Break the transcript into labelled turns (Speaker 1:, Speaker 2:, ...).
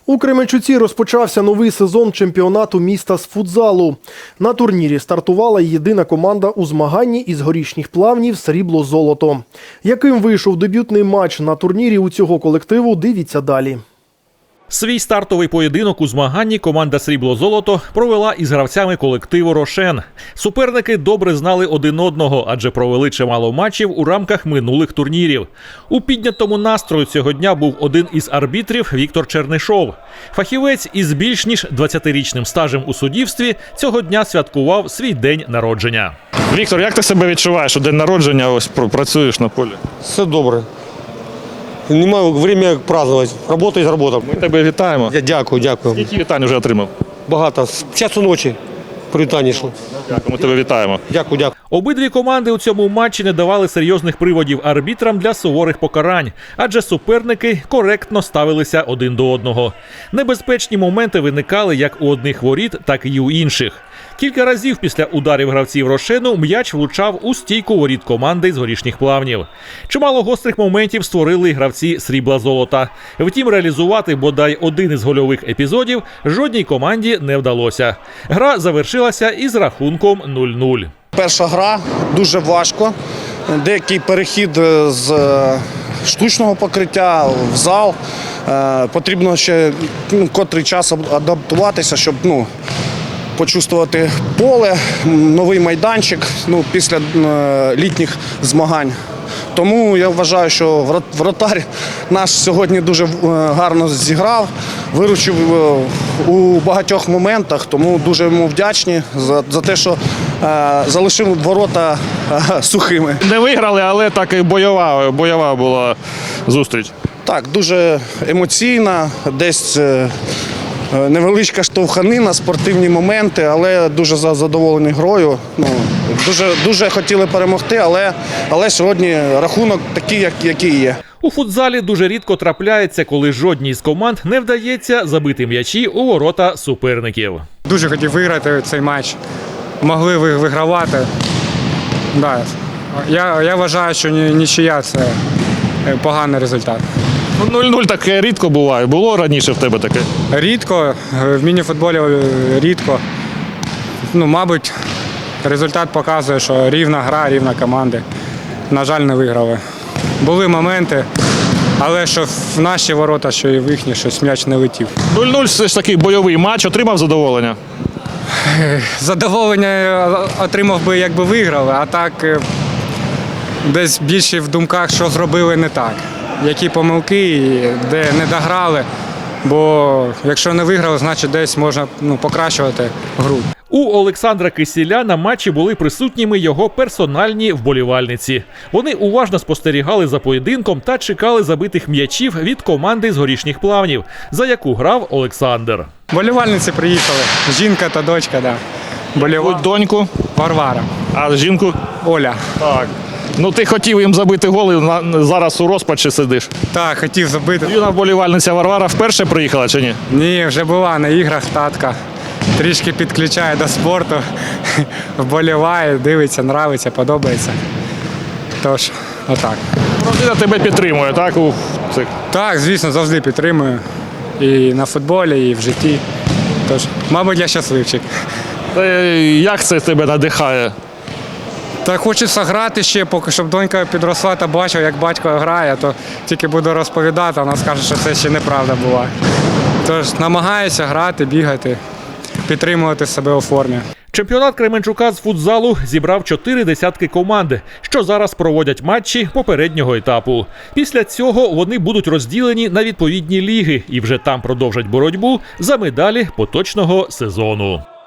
Speaker 1: У Кременчуці розпочався новий сезон чемпіонату міста з футзалу. На турнірі стартувала єдина команда у змаганні із горішніх плавнів «Срібло-золото». Яким вийшов дебютний матч на турнірі у цього колективу, дивіться далі.
Speaker 2: Свій стартовий поєдинок у змаганні команда «Срібло-золото» провела із гравцями колективу «Рошен». Суперники добре знали один одного, адже провели чимало матчів у рамках минулих турнірів. У піднятому настрою цього дня був один із арбітрів Віктор Чернишов. Фахівець із більш ніж 20-річним стажем у суддівстві цього дня святкував свій день народження.
Speaker 3: Віктор, як ти себе відчуваєш у день народження, ось працюєш на полі?
Speaker 4: Все добре. Немає часу празднувати. Робота є робота.
Speaker 3: Ми тебе вітаємо.
Speaker 4: Дякую.
Speaker 3: Які вітання вже отримав?
Speaker 4: Багато. З часу ночі привітання йшло.
Speaker 3: Дякую, ми тебе вітаємо.
Speaker 4: Дякую.
Speaker 2: Обидві команди у цьому матчі не давали серйозних приводів арбітрам для суворих покарань, адже суперники коректно ставилися один до одного. Небезпечні моменти виникали як у одних воріт, так і у інших. Кілька разів після ударів гравців «Рошену» м'яч влучав у стійку воріт команди з горішніх плавнів. Чимало гострих моментів створили гравці «Срібла-золота». Втім, реалізувати бодай один із гольових епізодів жодній команді не вдалося. Гра завершилася із рахунком 0-0.
Speaker 5: Перша гра дуже важко. Деякий перехід з штучного покриття в зал. Потрібно ще котрий час адаптуватися, щоб почувствувати поле, новий майданчик після літніх змагань. Тому я вважаю, що вратар наш сьогодні дуже гарно зіграв, виручив у багатьох моментах, тому дуже йому вдячні за те, що залишив ворота сухими.
Speaker 3: Не виграли, але так і бойова була зустріч.
Speaker 5: Так, дуже емоційна, десь невеличка штовханина, спортивні моменти, але дуже задоволений грою. Дуже хотіли перемогти, але сьогодні рахунок такий, який є.
Speaker 2: У футзалі дуже рідко трапляється, коли жодній з команд не вдається забити м'ячі у ворота суперників.
Speaker 6: Дуже хотів виграти цей матч. Могли вигравати. Да. Я вважаю, що нічия – це поганий результат.
Speaker 3: 0-0 таке рідко буває. Було раніше в тебе таке?
Speaker 6: Рідко. В міні-футболі рідко. Мабуть, результат показує, що рівна гра, рівна команди. На жаль, не виграли. Були моменти, але що в наші ворота, що і в їхні, щось м'яч не летів.
Speaker 3: 0-0 все ж такий бойовий матч. Отримав задоволення?
Speaker 6: Задоволення отримав би, якби виграли, а так десь більше в думках, що зробили не так. Які помилки, де не дограли, бо якщо не виграли, значить десь можна покращувати гру.
Speaker 2: У Олександра Кисіля на матчі були присутніми його персональні вболівальниці. Вони уважно спостерігали за поєдинком та чекали забитих м'ячів від команди з горішніх плавнів, за яку грав Олександр.
Speaker 6: Вболівальниці приїхали, жінка та дочка, да.
Speaker 3: Доньку?
Speaker 6: Варвара.
Speaker 3: А жінку?
Speaker 6: Оля.
Speaker 3: Так. Ти хотів їм забити голи, зараз у розпачі сидиш.
Speaker 6: Так, хотів забити.
Speaker 3: Юна вболівальниця Варвара вперше приїхала чи ні?
Speaker 6: Ні, вже була на іграх татка. Трішки підключає до спорту, вболіває, дивиться, нравиться, подобається. Тож, отак.
Speaker 3: Родина тебе підтримує, так?
Speaker 6: Так, звісно, завжди підтримую. І на футболі, і в житті. Тож, мабуть, я щасливчик.
Speaker 3: Як це тебе надихає?
Speaker 6: Та хочеться грати ще, поки щоб донька підросла та бачила, як батько грає, то тільки буду розповідати, вона скаже, що це ще неправда була. Тож намагаюся грати, бігати, підтримувати себе у формі.
Speaker 2: Чемпіонат Кременчука з футзалу зібрав 4 десятки команд, що зараз проводять матчі попереднього етапу. Після цього вони будуть розділені на відповідні ліги і вже там продовжать боротьбу за медалі поточного сезону.